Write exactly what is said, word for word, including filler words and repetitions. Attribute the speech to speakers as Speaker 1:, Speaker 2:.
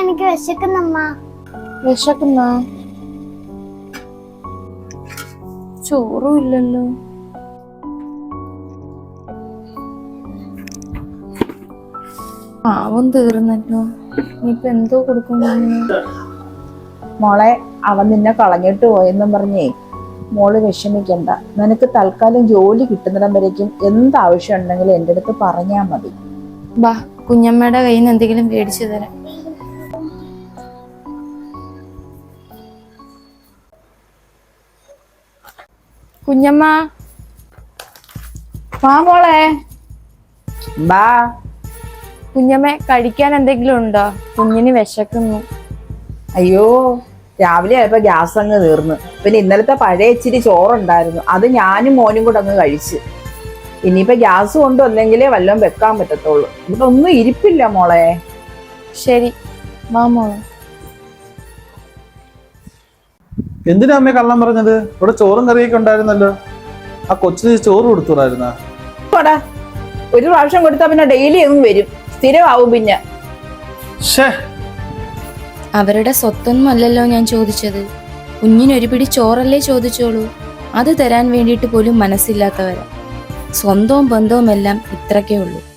Speaker 1: എനിക്ക് വിശക്കുന്നമ്മ.
Speaker 2: വിശക്കുന്ന ചോറും ഇല്ലല്ലോ. പാവം തീർന്നല്ലോ. ഇനിയിപ്പൊ എന്തോ കൊടുക്കും?
Speaker 3: മോളെ, അവൻ നിന്നെ കളഞ്ഞിട്ട് പോയെന്നും പറഞ്ഞേ മോള് വിഷമിക്കണ്ട. നിനക്ക് തൽക്കാലം ജോലി കിട്ടുന്നിടം വരേക്കും എന്താവശ്യം ഉണ്ടെങ്കിലും എൻ്റെ അടുത്ത് പറഞ്ഞാൽ മതി.
Speaker 2: ബാ, കുഞ്ഞമ്മയുടെ കയ്യിൽ നിന്ന് എന്തെങ്കിലും മേടിച്ചു തരാം. കുഞ്ഞമ്മ,
Speaker 3: വാ മോളെ, ബാ.
Speaker 2: കുഞ്ഞമ്മ കഴിക്കാൻ എന്തെങ്കിലും ഉണ്ടോ? കുഞ്ഞിന് വിശക്കുന്നു.
Speaker 3: അയ്യോ, രാവിലെ ആയപ്പോ ഗ്യാസ് അങ്ങ് തീർന്നു. പിന്നെ ഇന്നലത്തെ പഴയ ഇച്ചിരി ചോറുണ്ടായിരുന്നു, അത് ഞാനും മോനും കൂടെ അങ്ങ് കഴിച്ച്. ഇനിയിപ്പോ ഗ്യാസ് കൊണ്ടുവന്നെങ്കിലേ വല്ലതും വെക്കാൻ പറ്റത്തുള്ളൂ. ഇവിടെ ഒന്നും ഇരിപ്പില്ല മോളെ.
Speaker 2: ശരി, വാ മോളെ.
Speaker 4: എന്തിനാ അമ്മയെ കള്ളം പറഞ്ഞത്? ഇവിടെ ചോറും കറിയൊക്കെ ഉണ്ടായിരുന്നല്ലോ. ആ കൊച്ചിന് ചോറ് കൊടുത്തുടായിരുന്ന?
Speaker 3: ഒരു പ്രാവശ്യം കൊടുത്താ പിന്നെ ഡെയിലി ഒന്നും വരും, സ്ഥിരമാവും. പിന്നെ
Speaker 2: അവരുടെ സ്വത്തൊന്നും അല്ലല്ലോ ഞാൻ ചോദിച്ചത്. കുഞ്ഞിനൊരു പിടി ചോറല്ലേ ചോദിച്ചോളൂ. അത് തരാൻ വേണ്ടിയിട്ട് പോലും മനസ്സില്ലാത്തവരാ. സ്വന്തവും ബന്ധവും എല്ലാം ഇത്രക്കേ ഉള്ളൂ.